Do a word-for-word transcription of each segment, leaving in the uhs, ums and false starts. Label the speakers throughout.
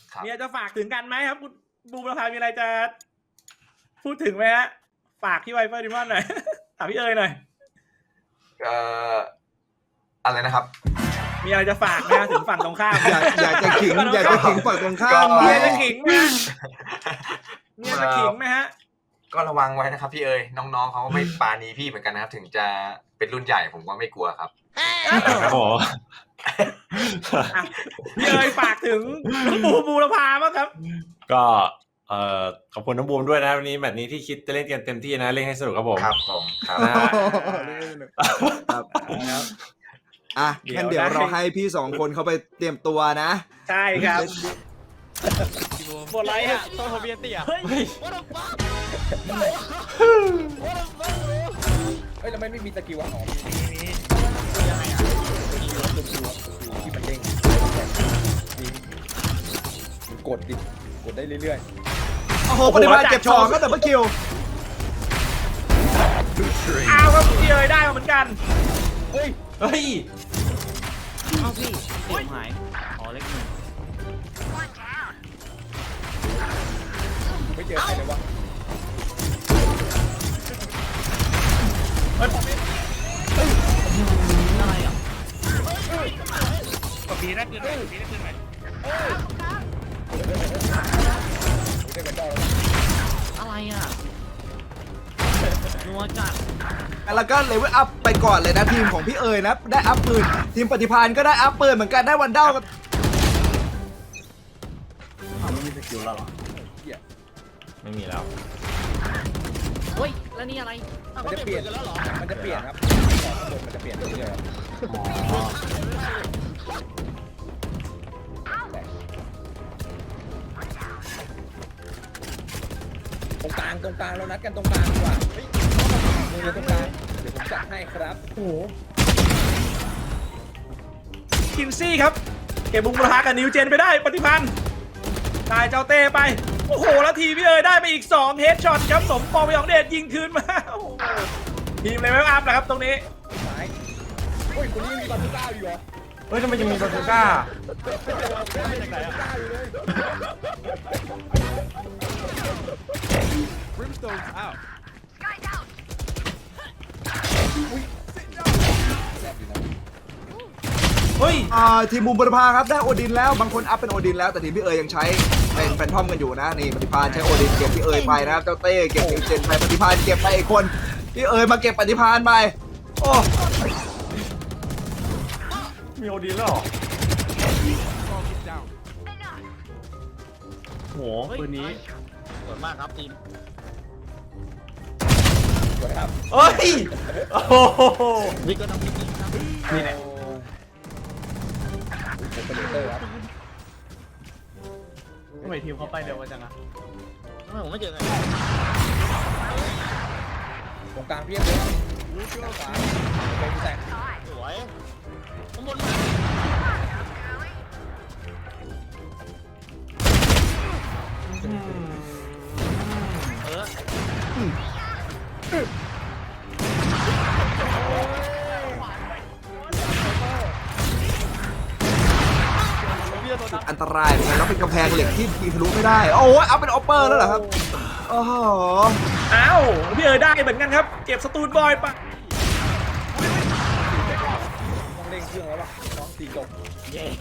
Speaker 1: มีอะไรจะฝากถึงกันไหมครับคุณบูมประภามีอะไรจะพูดถึงไหมฮะฝากที่ไวเฟอร์ดิมอนหน่อย ถามพี่เอ๋ยหน่อย
Speaker 2: เอ่ออะไรนะครับ
Speaker 1: มีอะไรจะฝากไหมถึงฝั่งตรงข้าม
Speaker 3: อยากอยากจะขิงอยากจะขิงฝั่งตรงข้าม
Speaker 1: มีอะไรจะขิงไหมมีอะไรจะขิงไหมฮะ
Speaker 2: ก็ระวังไว้นะครับพี่เอ๋ยน้องๆเขาไม่ปาณีพี่เหมือนกันนะครับถึงจะเป็นรุ่นใหญ่ผมก็ไม่กลัวครับ
Speaker 4: โอ้
Speaker 1: พี่เอ๋ยฝากถึงบูมบูรพาบ้างครับ
Speaker 4: ก็เอ่อขอบคุณน้องบูมด้วยนะวันนี้แมตช์นี้ที่คิดจะเล่นกันเต็มที่นะเล่นให้สนุกครับผม
Speaker 2: ครับผมครับ
Speaker 3: ครับอ่ะงั้นเดี๋ยวเราให้พี่สองคนเขาไปเตรียมตัวนะ
Speaker 1: ใช่ครับหมดไรอ่ะต้องทะเบียนเตี่ยเฮ้ย
Speaker 5: เฮ้ยแล้วไม่มีสกิลอ่ะอ๋อมียังไงอ่ะที่มันเด้งมันกดดิกดได้เรื่อย
Speaker 3: ๆโอ้โหปฏิบัติเก็บสองก็แต่เมื่อคิว
Speaker 1: อ้าวครับพี่เอ๋ยได้มาเหมือนกัน
Speaker 5: เฮ้ย
Speaker 4: เฮ้ย
Speaker 6: เอ้าพี่เสียงหายอ๋อเล็กหนึ่ง
Speaker 5: ไม่เจอใครเลยวะ
Speaker 6: อะไรอ่ะ
Speaker 1: กดบีได้คืนไหมบีได้คืนไหม
Speaker 6: อะไรอ่ะนัวจัด
Speaker 3: แล้วก็เลเวลอัพไปก่อนเลยนะทีมของพี่เอ๋ยนะได้อัพปืนทีมปฏิภาณก็ได้อัพปืนเหมือนกันได้วันเด้ากัน
Speaker 5: ไม่มีสกิลแล้วหรอ
Speaker 4: ไม่มีแล้ว
Speaker 6: เฮ้ยแล้วนี่อะไร
Speaker 5: มันจะเปลี่ยนแล้วหรอมันจะเปลี่ยนครับมันจะเปลี่ยนเรื่อยๆตรงกลางตรงกลางเรานัดกันตรงกลางดีกว่าเฮ้ยมือตรงกลางเดี๋ยวผมจัดให้ครับโอ้โห
Speaker 1: คินซี่ครับเก็บบุ้งประทากับนิวเจนไปได้ปฏิพันธ์ตายเจ้าเต้ไปโอ้โหแล้วทีพี่เอ๋ยได้ไปอีกสองเฮดช็อตครับสมปองไปของเดชยิงคืนมาทีมเลยไม่อัพนะครับตรงนี้
Speaker 5: ซ้ายโอ้ยคนนี้มีบาซูก้าอยู่เหรอ
Speaker 4: เฮ้ยทำไมยังมีบาซูก้า
Speaker 3: เฮ้ยอ่าทีมบูมบรพาครับได้โอดินแล้วบางคนอัพเป็นโอดินแล้วแต่ทีมพี่เอ๋ยยังใช้เป็นแฟนทอมกันอยู่นะนี่ปฏิภาณใช้โอดินเก็บพี่เอ๋ยไปนะครับเจ้าเต้เก็บนิวเจนไปปฏิภาณเก็บไปอีกคนพี่เอ๋ยมาเก็บปฏิภาณไปโอ้
Speaker 4: มีโอดินแล้วเหรอโหปืนนี้
Speaker 6: สวยมากครับทีม
Speaker 5: สวยครับ
Speaker 4: เฮ้ยโอ้โห
Speaker 6: นี่ก็ต้องมีทีมครับ
Speaker 4: นี่แหละ
Speaker 1: ทำไมทีมเขาไปเร็วจังอะ
Speaker 6: ทำไมผมไม่เจอไง
Speaker 5: ตรงกลางเพียบเลยรู้ชื่อขวาไปแตก
Speaker 6: สวยข้างบนเออ
Speaker 3: อันตรายเหมือนกันแล้วเป็นกำแพงเหล็กที่ยิงทะลุไม่ได้โอ้ยเอาเป็นออปเปอร์แล้วเหรอครับโอ้โห
Speaker 1: อ้าวพี่เอ๋ยได้เหมือนกันครับเก็บสตูนบอยไป
Speaker 5: ต้องเร่งเครื่องแล้วป่ะน้องตีจบ
Speaker 6: เย้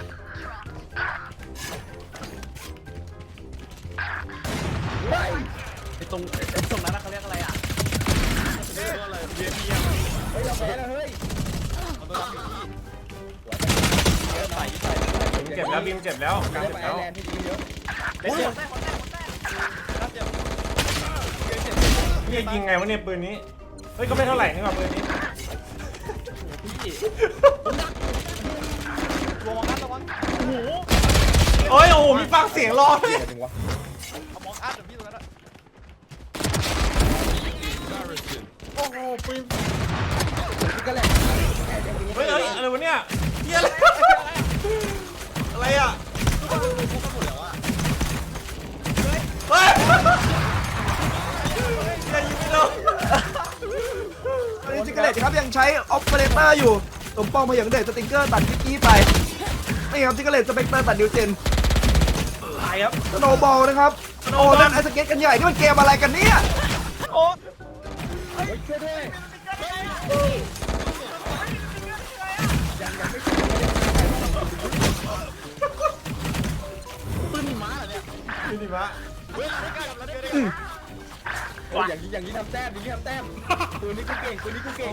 Speaker 6: ไอ้ตรงไอ้ตรงนั้นเขาเรียกอะไรอ่ะเรียกว่าอะไรเบียร์เบียร์
Speaker 5: เฮ้ยเราแพ้แล้วเฮ้ย
Speaker 6: เอาตัวรับผิดที่
Speaker 4: เจ็บแล้วบิมเจ็บแล้วการเจ็บแล้วนี่ยิงไงวะเนี่ยปืนนี้เฮ้ยก็ไม่เท่าไหร่นี่หว่าปืนนี้
Speaker 6: ระวังนะระวังโอ้โห
Speaker 4: โอ้ยโอ้โหมีฟังเสียงร้องเลย
Speaker 6: มองอัดแบบพี่ตรงนั้นโอ้โหปืน
Speaker 4: เฮ้ยอะไรวะเนี่ยเฮียอะไรอะไรอ่ะเฮ้ยอย่ายิงไม่โดน
Speaker 3: ตอนนี้จิกเกอร์เลตครับยังใช้ออปเปอเรเตอร์อยู่สมปองพยังเดชสติงเกอร์ตัดกิ๊กกี้ไปนี่ครับจิกเกอร์เลตสเปกเตอร์ตัดนิวเจน
Speaker 1: ไปครับ
Speaker 3: สโนว์บอลนะครับ
Speaker 1: สโน
Speaker 3: โอ้
Speaker 1: ว์บอล
Speaker 3: นั่นไอสเก็ตกันใหญ่นี่มันเกมอะไรกันเนี่ย
Speaker 1: โอ้
Speaker 5: เฮ้ยช่วยด้วยยังยังไม่
Speaker 6: ปืนหิมะเหรอเนี่ย
Speaker 4: พี่ดิมะ
Speaker 6: เฮ้ยไม่กล้าทำแล้วได้ไง
Speaker 5: โอ้ยอย่างนี้อย่างนี้ทำแต้มอย่างนี้ทำแต้มปืนนี้กูเก่งปืนนี้กูเก่ง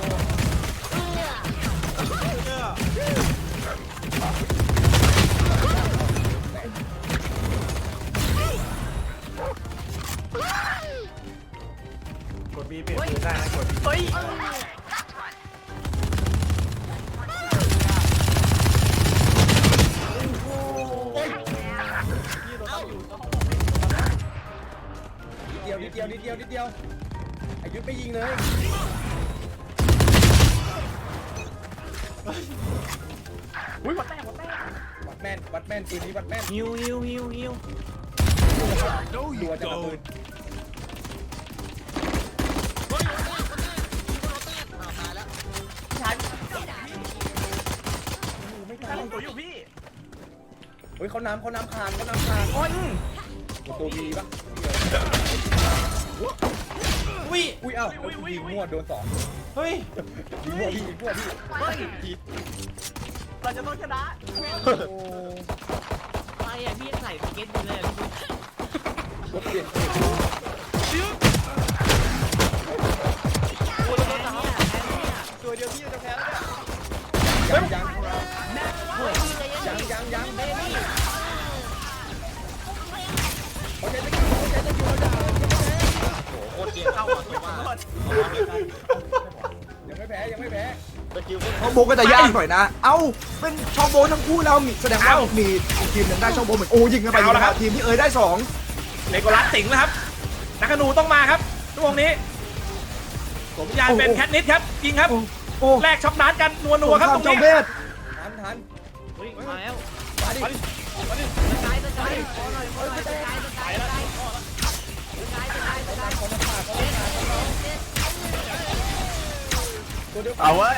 Speaker 4: กดบีเปลี่ยนปืนได้นะกด
Speaker 6: เฮ้ย
Speaker 5: เดียวนิดเดียวนิดเดียวนิดเดียวอายุไม่ยิงเลย
Speaker 6: อุ้ยหมดแต้มหมดแต้ม
Speaker 5: วัดแม่นวัดแม่นปืนนี้วัดแม่น
Speaker 6: ฮิวฮิวฮิวฮิว
Speaker 5: รัวจะระเบิด
Speaker 6: ชาย
Speaker 5: ไม่
Speaker 6: ชา
Speaker 5: ตาย ย
Speaker 6: ตัวอยู่พี่
Speaker 5: เฮ้ยเขาน้ำเขาน้ำคานเขาน้ำคาน
Speaker 6: โอ้ย
Speaker 5: ตัววีปะ
Speaker 1: วิ
Speaker 5: อุ้ยเอ้ายิงมั่วโดนสอง
Speaker 1: เฮ้ย
Speaker 5: ยิงมั่วพี่ยิงมั่วพี่
Speaker 6: เฮ้ยเราจะต้องชนะ
Speaker 5: โอ้
Speaker 6: ไปอ่ะพี่ใส่สเก็ตไปเลยพี่
Speaker 5: รถเปลี่ยน
Speaker 6: โอ้ยเราต้องเนี่ยตัวเดียวพี่จะแพ้แล้วเนี่ย
Speaker 5: ยังยังยังยังยังเบบี้เขาใช้ตะกี้เขาใช้ตะกี้เขาด่า
Speaker 6: โคตรเกมเข้ามาตัวว่า
Speaker 5: ยังไม่แพ้ยังไม่แพ้
Speaker 6: สกิล
Speaker 3: ช่องโบก็จะยากหน่อยนะ เอ้าเป็นช่องโบทั้งคู่แล้วมีแสดงว่ามีอีกทีมหนึงได้ช่องโบเหมือนโอ้ยิงกันไปยิงกันมาทีมที่เอ๋ยได้สอง
Speaker 1: เลโกลัสสิงห์นะครับนักธนูต้องมาครับช่วงนี้สมญานเป็นแคทนิสครับยิงครับ
Speaker 3: โอ้
Speaker 1: แลกช็อปนัดกันนัวนัวๆครับตรง
Speaker 3: จอม
Speaker 1: นี้
Speaker 3: เวท
Speaker 5: ทันทัน
Speaker 6: เฮ้ยมาแล้ว
Speaker 5: มาดิ
Speaker 6: ตะไคร้ตะไคร้ขอหน่อยขอหน่อยตะไคร้ตะไคร้ตะไคร้ตะไคร้ตะไคร้ตะไคร้
Speaker 5: เขามาผ่าเขามาผ่าตัวเดียว
Speaker 6: เอาเว้ย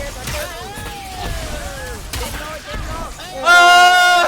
Speaker 1: เออ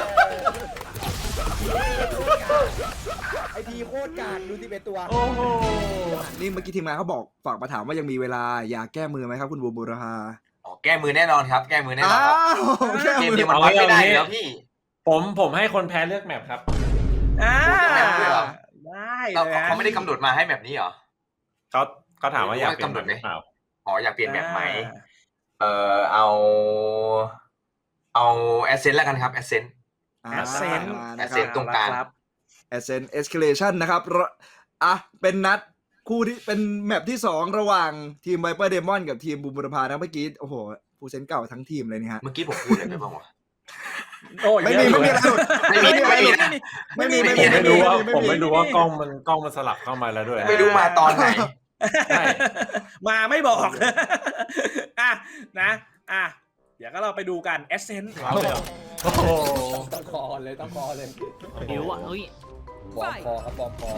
Speaker 5: ไอทีโคตรกากดูที่เป็นตัว
Speaker 1: โอ้โห
Speaker 3: นี่เมื่อกี้ทีมงานเขาบอกฝากมาถามว่ายังมีเวลาอยากแก้มือไหมครับคุณบูมบูรพา
Speaker 2: อ๋อแก้มือแน่นอนครับ แก้มือแน่นอน
Speaker 3: อ้า
Speaker 2: ครับ
Speaker 3: วแก้
Speaker 2: เกม
Speaker 3: มือ
Speaker 2: เดียวมันวัดไม่ได้อยู่แล้วพี่
Speaker 4: ผมผมให้คนแพ้เลือกแมปครับ
Speaker 1: อ่า
Speaker 2: แมปด้วยเหรอ
Speaker 1: ได้
Speaker 2: เรา
Speaker 1: เลย
Speaker 2: เขาไม่ได้กำหนดมาให้แบบนี้เหรอ
Speaker 4: เขาเขาถามว่าอยากเปลี่ยน
Speaker 2: กำหนดไหม
Speaker 4: เปล่า
Speaker 2: อ๋ออยากเปลี่ยนแบบไหมเอ่อเอา เอาแอสเซนต์แล้วกันครับแอสเซนต์
Speaker 3: อ่า
Speaker 1: แอสเซนต์
Speaker 3: มา
Speaker 2: แอ
Speaker 3: นะ
Speaker 2: ส
Speaker 3: ค
Speaker 2: เซ
Speaker 3: รับ
Speaker 2: นต์ ตรงกลาง
Speaker 1: ครับ
Speaker 3: Ascent Escalation นะครับระอ่ะเป็นนัดคู่ที่เป็นแมปที่สองระหว่างทีม Viper Demon กับทีมบูมบูรพานะเมื่อกี้โอ้โหผู้เซนเก่าทั้งทีมเลยนี่ฮะ
Speaker 2: เมื่อกี้ผมพูดอะไรไปบ้างวะ
Speaker 1: โอ้ย
Speaker 3: ไม่มีไม่มีอะไรหลุด
Speaker 2: ไม่มีไม่มีนะ
Speaker 3: ไม่มี
Speaker 2: ไม่
Speaker 3: ไม่
Speaker 2: มี
Speaker 3: มี
Speaker 4: ไม่รู้ว่า
Speaker 3: ไม่
Speaker 4: ผม
Speaker 3: มี
Speaker 4: ไม่รู้ว่ากล้องมันกล้องมันสลับเข้ามาแล้วด้วย
Speaker 2: ไม่รู้มาตอนไหน
Speaker 4: ใช่
Speaker 1: มาไม่บอกอ่ะนะอ่ะเดี๋ยวก็เราไปดูกันเอสเซนต์
Speaker 4: เอาเลยเหรอโอ้โห
Speaker 5: ต้องคอเลยต้องคอเลย
Speaker 6: เดี๋ยวอ่ะเฮ้ย
Speaker 5: บอมคอครับบอมคอ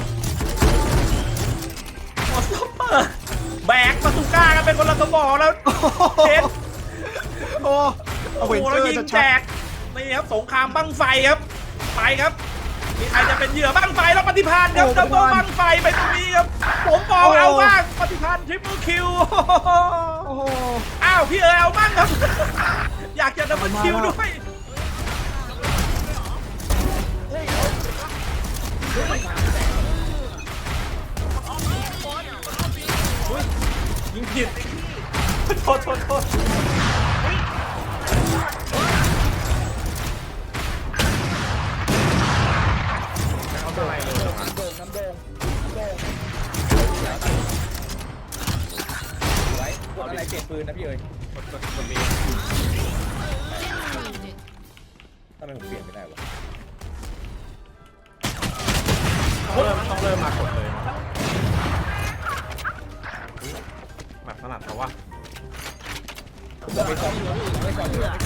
Speaker 1: หมดซัปเปอร์แบกมาสุก้ากันเป็นคนละกระบอกแล้วเห็น
Speaker 3: โอ้
Speaker 1: โอ้
Speaker 3: เอา
Speaker 1: โห
Speaker 3: เวนเจ
Speaker 1: แล้
Speaker 3: อ
Speaker 1: ว
Speaker 3: ร์
Speaker 1: ยิง
Speaker 3: จะ
Speaker 1: แจ
Speaker 3: ชัด
Speaker 1: กนี่ครับสงครามบั้งไฟครับไปครับมีใครจะเป็นเหยื่อบั้งไฟแล้วปฏิพานครับดับเบิลบั้งไฟไปตรงนี้ครับผมมองเอาบ้างปฏิพานทริปเปิลคิว
Speaker 3: โอ้โห
Speaker 1: อ้าวพี่เอ๋เอาบ้างครับ อยากจะดับเบิลคิวด้วยยิงผิดโทษโทษโทษ
Speaker 5: น้ำโด่งน้ำโด่งน้ำโด่งน้ำโด่งไว้กดอะไรเปลี่ยนปืนนะพี่เอ๋ย
Speaker 4: กดกดกดบี
Speaker 5: ทำไมผมเปลี่ยนไม่ได้วะ
Speaker 4: เริ่มต้องเริ่มมากดเลยแบบถนัดเขาว่า
Speaker 5: ผมไปก่อนไปก่อนไปก่อน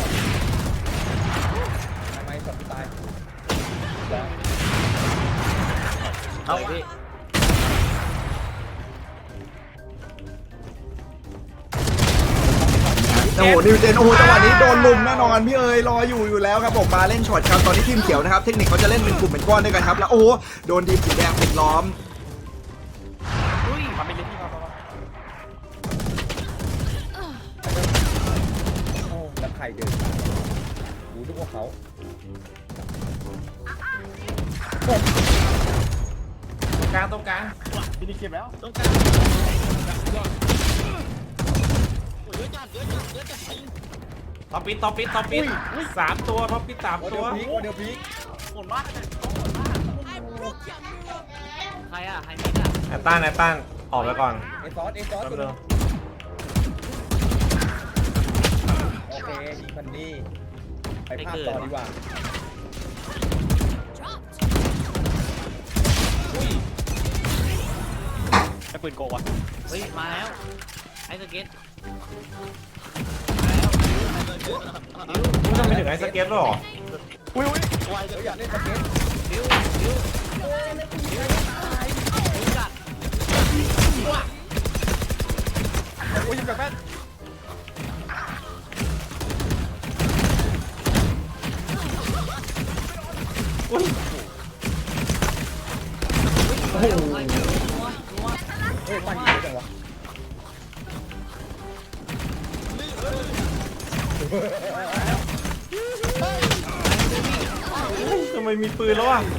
Speaker 5: ทำไมสอบตาย
Speaker 6: เอาพี่
Speaker 3: ตโอ้โหนิวเจนโอ้โหจังหวะนี้โดนลุมแน่นอนพี่เอ๋ยรออยู่อยู่แล้วครับผมมาเล่นช็อตครับตอนนี้ทีมเขียวนะครับเทคนิคเขาจะเล่นเป็นกลุ่มเป็นก้อนด้วยกันครับแล้วโอ้โหโดนทีมสีแดงปิดล้อม
Speaker 6: อุ้ย
Speaker 5: มาเป็นเรื่องที่มาโอ้แล้วใครเดินดูทุกพวกเขา
Speaker 1: กลางตรงกลาง
Speaker 5: พี่นี่เก็บแล้ว
Speaker 6: ต้องการโอ้ยเยอะจัดเยอะจัดเยอะจัด
Speaker 1: ท็อปปิดท็อปปิดท็อปปิดสามตัวท็อปปิดสาม
Speaker 5: โอ้
Speaker 1: ตั
Speaker 5: เดี๋ยว วพีกโอ้เดี๋ยวพีก
Speaker 6: โหดมากใครอ่ะใครมิดอ่ะ
Speaker 4: แอตตันแอตตันออกไปก่อน
Speaker 5: เอซอสเอซอส
Speaker 4: แป๊บ
Speaker 5: ตัว
Speaker 4: นึ
Speaker 5: นึ
Speaker 4: ง
Speaker 5: งโอเคยิงพันนี่ไปภาพต่อดีกว่า
Speaker 1: ไอ้ปืนโกวะ
Speaker 6: เฮ้ยมาแล้วไอ้สเก็ต
Speaker 4: มึงจะไปถึงไอ้สเก็ตหรอ
Speaker 5: อุ้ยอุ้ยไวเดี๋ยวอยากเล่นสเก็ต
Speaker 6: บิวบิวบิวจัด
Speaker 5: อุ้ยยิงแบบแม่น
Speaker 6: โอ้โหนัวนัว
Speaker 5: เฮ้ยปั้นยิงเยอะจังวะ
Speaker 4: ทำไมมีปืนแล้วอ่ะ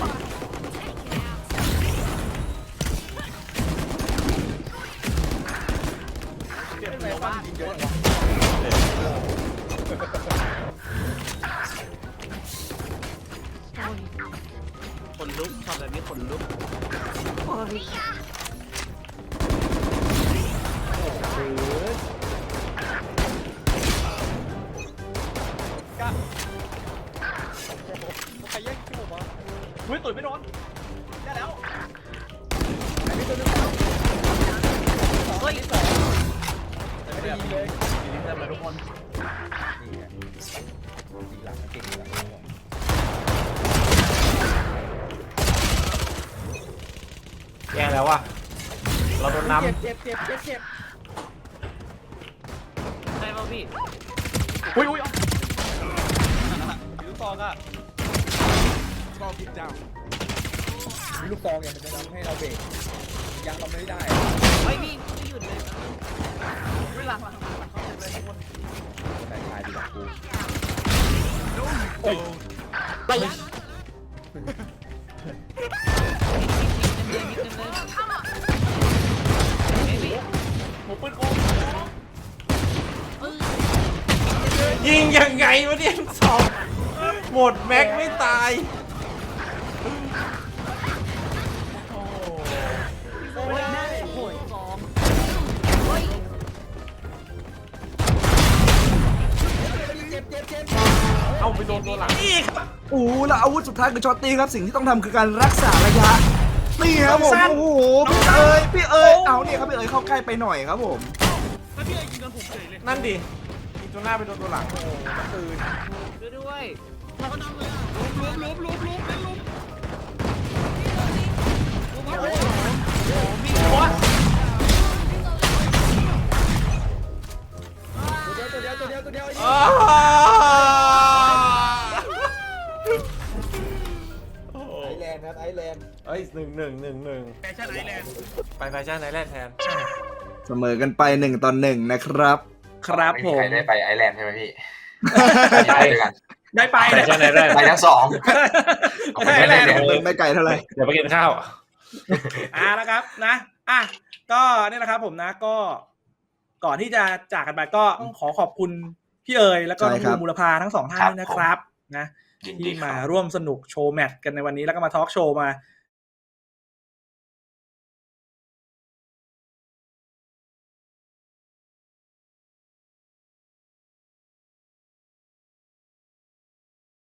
Speaker 5: เดี๋ยวปั้นยิงเยอะจังวะ
Speaker 6: ขนลุกชอบแบบนี้ขนลุก
Speaker 5: ใครแย่งคิวผมวะ
Speaker 1: อุ้ยตุ๋ยไม่โดน
Speaker 5: ได้แล้วอันนี้ตัวนึง
Speaker 6: เฮ้ย
Speaker 5: แต่ไม่ได้ยิงเลย
Speaker 1: ยิงเต็มเลยทุกคน
Speaker 5: นี่ไงยิงหลังเก่งหลัง
Speaker 4: แย่แล้วว่ะเราโดนน้
Speaker 5: เจ็บเจ็บเจ็บเจ็บเจ็บ
Speaker 6: ใช่ป่ะพี่
Speaker 1: อุ้ยอุ้ย
Speaker 5: ลูกซองอ่ะมีลูกซองอย่างมันจะทำให้เราเบรกยังเราไม่ได้
Speaker 6: เฮ้ยพี่ไม่หยุดเลยไม่หลังหลังหลังเขาเต็มเลยทุกคน
Speaker 5: คนไหนชายดีกว่ากู
Speaker 6: ไปยังเต็มเลยเต็มเลยเฮ้ยพี่
Speaker 1: หัวปืนโก
Speaker 4: ำยิงยังไงวะเนี่ยสองหมดแม็กไม่ตาย
Speaker 6: โอ้ยโอ้โหสองเฮ้ย
Speaker 5: เจ็บเจ็บเจ็บ
Speaker 4: เอาไปโดนตัวหลัง
Speaker 1: นี่ครับ
Speaker 3: โอ้โหแล้วอาวุธสุดท้ายคือช็อตตีครับสิ่งที่ต้องทำคือการรักษาระยะนี่ครับผมโอ้โหพี่เอ๋ยพี่เอ๋ยเอาเนี่ยครับพี่เอ๋ยเข้าใกล้ไปหน่อยครับผม
Speaker 4: นั่นดิยิงตัวหน้าไปโดนตัวหลัง
Speaker 5: ตื่น
Speaker 6: ช่วยด้วย
Speaker 5: ตัวเดียวตัวเดียวตัวเดียวตัวเดียว
Speaker 4: อ้า
Speaker 5: ไอแลนด์ครับไอแลนด์
Speaker 4: เอ้ยหนึ่งหนึ่งหนึ่งหนึ่ง
Speaker 1: แฟชั่นไอแลนด์
Speaker 4: ไปแฟชั่นไอแลนด์แทน
Speaker 3: เสมอกันไปหนึ่งต่อหนึ่งนะครับ
Speaker 1: ครับ
Speaker 2: ไม่
Speaker 1: ผ
Speaker 2: มี
Speaker 1: ม
Speaker 2: ใครได้ไปไอร์แลนด์ใช่ไหมพี่ ไปด้วยกัน
Speaker 1: ได้ไป
Speaker 4: แฟชั่นไอแลนด์
Speaker 2: ไปทั้งสอง
Speaker 1: ได้แลนด์
Speaker 3: เดินไม่ไกลเท่าไหร่
Speaker 4: เดี๋ยวไปกินข้าว
Speaker 1: อ่าแล้วครับนะอ่ะก็เนี่ยนะครับผมนะก็ก่อนที่จะจากกันไปก็ต้องขอขอบคุณพี่เอ๋ยแล้วก็น้องบูมบุรพาทั้งสองท่านด้วยนะครับนะ
Speaker 2: ยินดี
Speaker 1: ที่
Speaker 2: ค
Speaker 1: มา
Speaker 2: รับ
Speaker 1: ร่วมสนุกโชว์แมตช์กันในวันนี้แล้วก็มาทอล์กโชว์มา